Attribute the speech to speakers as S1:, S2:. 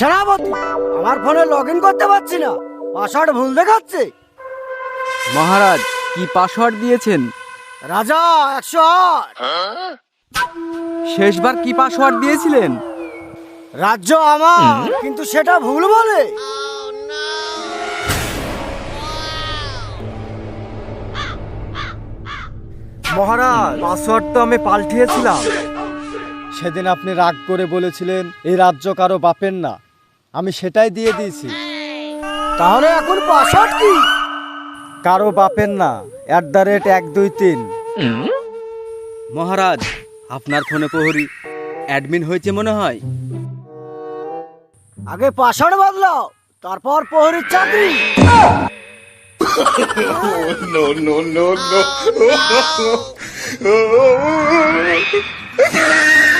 S1: সেনাপতি, আমার ফোনে লগ ইন করতে পারছি না, পাসওয়ার্ড ভুল দেখাচ্ছে।
S2: মহারাজ, কি পাসওয়ার্ড দিয়েছেন?
S1: রাজা 108।
S2: শেষবার কি পাসওয়ার্ড দিয়েছিলেন?
S1: রাজ্য আমার, কিন্তু সেটা ভুল বলে।
S3: মহারাজ, পাসওয়ার্ড তো আমি পাল্টিয়েছিলাম। সেদিন আপনি রাগ করে বলেছিলেন এই রাজ্য কারো বাপের না, আমি সেটাই দিয়ে দিয়েছি।
S1: তাহলে এখন পাসওয়ার্ড কি?
S3: কারো বাপের না, @123।
S2: মহারাজ, আপনার ফোনে প্রহরী অ্যাডমিন হয়েছে মনে হয়।
S1: আগে পাসওয়ার্ড বদলাও, তারপর প্রহরীর চাকরি।
S4: no, no, no, no.